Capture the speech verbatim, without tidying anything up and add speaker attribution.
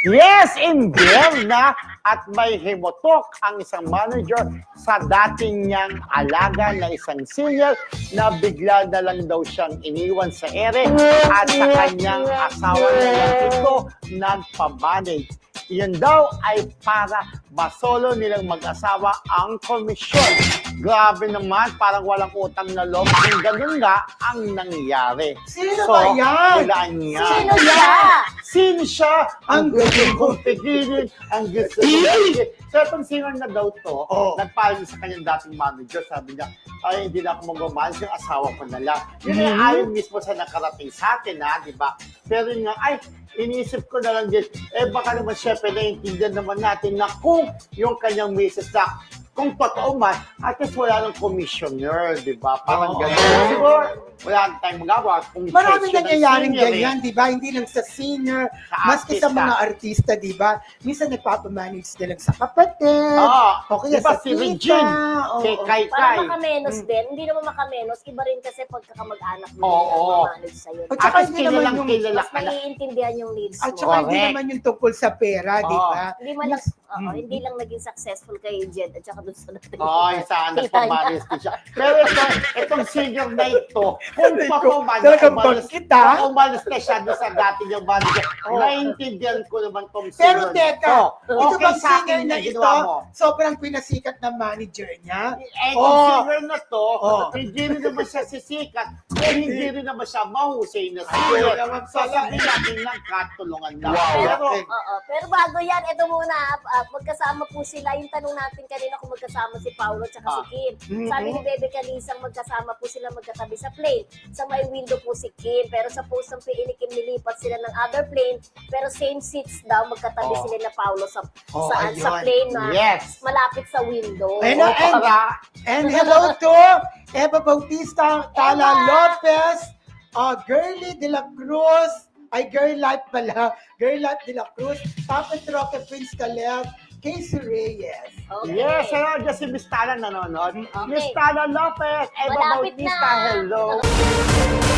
Speaker 1: Yes, in na at may himotok ang isang manager sa dating niyang alaga na isang senior na bigla na lang daw siyang iniwan sa ere at sa kanyang asawa na lang ito nagpamanage. Yun daw ay para masolo nilang mag-asawa ang komisyon. Grabe naman, parang walang utang na loob. Kung ganun nga ang nangyari.
Speaker 2: Sino ba yan?
Speaker 1: Walaan niya.
Speaker 3: Sino siya?
Speaker 1: Sino siya? Ang gusto kong pigilin, ang gusto kong pigilin. So, itong singer na daw to,
Speaker 2: Oh.
Speaker 1: nagpaalam sa kanyang dating manager, sabi niya, ay, hindi na ako mag-manage, yung asawa ko na lang. Yun ay
Speaker 2: Mhm.
Speaker 1: ayon mismo sa nakarating sa atin, ha, di ba? Pero yun nga, ay, iniisip ko na lang din, eh, baka naman syempre naiintindihan naman natin na kung yung kanyang misis na kung totoo man, at least wala ng commissioner, di ba? Parang
Speaker 2: Oo.
Speaker 1: gano'n. Siguro, wala tayong magawa. Kung
Speaker 2: Maraming
Speaker 1: section ng
Speaker 2: nangyayaring
Speaker 1: senior, eh.
Speaker 2: ganyan, di ba? Hindi lang sa singer,
Speaker 1: Sa
Speaker 2: maski sa
Speaker 1: artista.
Speaker 2: mga artista, di ba? Minsan nagpapamanage na lang sa kapatid,
Speaker 1: Ah,
Speaker 2: o kaya
Speaker 1: diba
Speaker 2: sa
Speaker 1: si
Speaker 2: tita.
Speaker 1: Regine,
Speaker 2: oo.
Speaker 1: kay Kai
Speaker 3: Para
Speaker 1: Kai.
Speaker 3: makamenos
Speaker 2: Mm.
Speaker 3: din. Hindi naman makamenos. Iba rin kasi pagkakamag-anak mo
Speaker 1: Oo.
Speaker 3: yung manage sa'yo.
Speaker 2: At
Speaker 1: At
Speaker 2: saka
Speaker 1: least
Speaker 2: hindi naman
Speaker 1: kilalang
Speaker 2: yung-
Speaker 1: kilala
Speaker 3: Mas
Speaker 1: ka na.
Speaker 3: maiintindihan yung needs
Speaker 2: At
Speaker 3: mo.
Speaker 2: saka hindi
Speaker 1: Correct.
Speaker 2: naman yung tungkol sa pera, di
Speaker 1: Oo.
Speaker 2: ba?
Speaker 3: Hindi man lang, oo,
Speaker 2: Mm.
Speaker 3: hindi lang naging successful kay Jed at saka doon sa natin.
Speaker 1: Ay, sana
Speaker 3: Kita niya.
Speaker 1: pamalis ko siya. Pero ito, itong singer na ito, kung pa
Speaker 2: Ko-
Speaker 1: man,
Speaker 2: talagang
Speaker 1: umalis,
Speaker 2: bakit, ah?
Speaker 1: kung umalis na siya doon sa dati niyang manager,
Speaker 2: Oo.
Speaker 1: naiintindihan ko naman tong singer
Speaker 2: Pero
Speaker 1: na
Speaker 2: teka,
Speaker 1: ito.
Speaker 2: ito
Speaker 1: Okay
Speaker 2: bang
Speaker 1: sa
Speaker 2: singer
Speaker 1: akin
Speaker 2: na
Speaker 1: yung
Speaker 2: ito,
Speaker 1: ginawa mo.
Speaker 2: sobrang pinasikat na manager niya?
Speaker 1: Eh,
Speaker 2: Oh.
Speaker 1: yung singer na to,
Speaker 2: Oh.
Speaker 1: hindi rin naman siya sisikat, eh, hindi rin naman siya mahusay na
Speaker 2: Ay,
Speaker 1: singer.
Speaker 2: naman
Speaker 1: So,
Speaker 2: pala.
Speaker 1: sabi natin lang, katulungan lang.
Speaker 2: Wow.
Speaker 1: Pero,
Speaker 2: Okay.
Speaker 3: Oo, pero bago yan, ito muna, ah, magkasama po sila. Yung tanong natin kanina kung magkasama si Paolo at saka
Speaker 1: Ah.
Speaker 3: si Kim.
Speaker 2: Mhm.
Speaker 3: Sabi ni Bebe Calisang magkasama po sila magkatabi sa plane. Sa may window po si Kim, pero sa post ng P I ni Kim nilipat sila ng other plane, pero same seats daw magkatabi
Speaker 1: Oh.
Speaker 3: sila na Paolo sa
Speaker 2: Oh,
Speaker 3: saan sa
Speaker 2: ayun.
Speaker 3: plane na
Speaker 1: yes.
Speaker 3: malapit sa window.
Speaker 2: Ayun
Speaker 1: O
Speaker 2: na, and-
Speaker 1: para,
Speaker 2: And hello to Eva Bautista, Tala
Speaker 3: Eva!
Speaker 2: Lopez, uh, Girly de la Cruz, ay Girl Life pala, Girl Life de la Cruz, Papa Troque Prince Caleb, Casey Reyes.
Speaker 3: Okay.
Speaker 1: yes, hello, dyan si Miss Tala nanonood.
Speaker 3: Okay.
Speaker 1: Miss Tala Lopez, Eva
Speaker 3: Malapit
Speaker 1: Bautista,
Speaker 3: na.
Speaker 1: hello.